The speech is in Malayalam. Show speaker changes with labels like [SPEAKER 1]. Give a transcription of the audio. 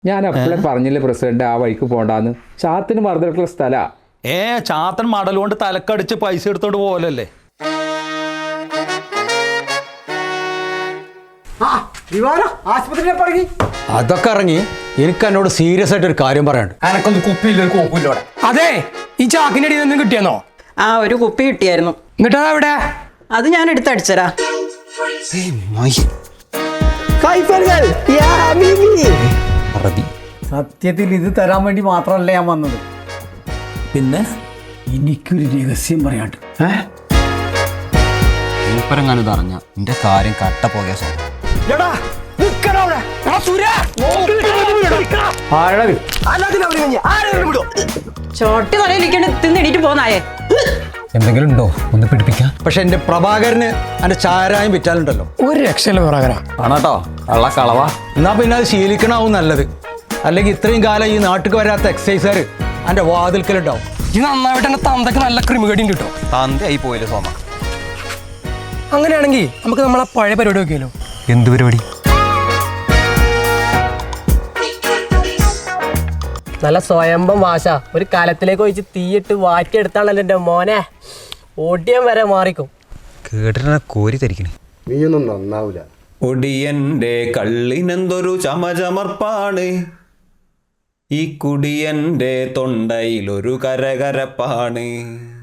[SPEAKER 1] ഞാൻ എപ്പോഴും പറഞ്ഞില്ലേ പ്രസിഡന്റ് ആ വഴിക്ക് പോണ്ടാന്ന്. ചാത്തിന് മറന്നിട്ടുള്ള സ്ഥലാ.
[SPEAKER 2] ചാത്തൻ മടൽ കൊണ്ട് തലക്കടിച്ച് പൈസ എടുത്തോണ്ട് പോലല്ലേ.
[SPEAKER 3] അതൊക്കെ ഇറങ്ങി. എനിക്ക് എന്നോട് സീരിയസ് ആയിട്ട് ഒരു കാര്യം പറയാനുണ്ട്.
[SPEAKER 4] എനക്കൊന്ന് കുപ്പിയില്ല.
[SPEAKER 5] അതെ, ഈ ചാക്കിന്റെ അടിയിൽ നിന്ന് കിട്ടിയെന്നോ?
[SPEAKER 6] ആ, ഒരു കുപ്പി കിട്ടിയായിരുന്നു.
[SPEAKER 5] എന്നിട്ടാ എവിടെ?
[SPEAKER 6] അത് ഞാൻ എടുത്തടിച്ചരാ.
[SPEAKER 4] സത്യത്തിൽ ഇത് തരാൻ വേണ്ടി മാത്രമല്ല ഞാൻ വന്നത്.
[SPEAKER 2] പിന്നെ
[SPEAKER 4] എനിക്കൊരു രഹസ്യം പറയാണ്ട്.
[SPEAKER 3] മൂപ്പരങ്ങാനും അറിഞ്ഞ എന്റെ കാര്യം കട്ട പോകെ
[SPEAKER 6] ചോട്ടി തലയിലിരിക്കണ്ട് തിന്നിടീട്ട് പോന്നായേ.
[SPEAKER 3] എന്തെങ്കിലും ഉണ്ടോ ഒന്ന് പിടിപ്പിക്കാൻ? പക്ഷെ എന്റെ പ്രഭാകരന് എന്റെ ചാരായം വിറ്റാലുണ്ടല്ലോ
[SPEAKER 5] ഒരു രക്ഷയില്ല പ്രഭാകര.
[SPEAKER 3] ആണോട്ടോ കള്ള കളവാ. എന്നാ പിന്നെ അത് ശീലിക്കണാവും നല്ലത്. അല്ലെങ്കിൽ ഇത്രയും കാലം ഈ നാട്ടിൽ വരാത്ത എക്സസൈസുകാർ എന്റെ വാതിൽക്കലുണ്ടാവും.
[SPEAKER 5] ഇത് നന്നായിട്ട് എന്റെ തന്തക്ക് നല്ല ക്രിമികടിയും കിട്ടും.
[SPEAKER 3] തന്തയായി പോയില്ല സോമ.
[SPEAKER 5] അങ്ങനെയാണെങ്കിൽ നമുക്ക് നമ്മളെ പഴയ പരിപാടി നോക്കിയാലോ?
[SPEAKER 3] എന്ത് പരിപാടി?
[SPEAKER 7] നല്ല സ്വയംഭം വാശ ഒരു കലത്തിലേക്ക് ഒഴിച്ച് തീയിട്ട് വാറ്റിയെടുത്താണല്ലോ എൻ്റെ മോനെ. ഓടിയം വരെ മാറിക്കും.
[SPEAKER 3] കേട്ടിട്ട് കോരി തരിക്കണേ.
[SPEAKER 8] നീയൊന്നും നന്നാവൂല.
[SPEAKER 2] ഒടിയന്റെ കള്ളിനെന്തൊരു ചമചമർപ്പാണ്, ഈ കുടിയന്റെ തൊണ്ടയിലൊരു കരകരപ്പാണ്.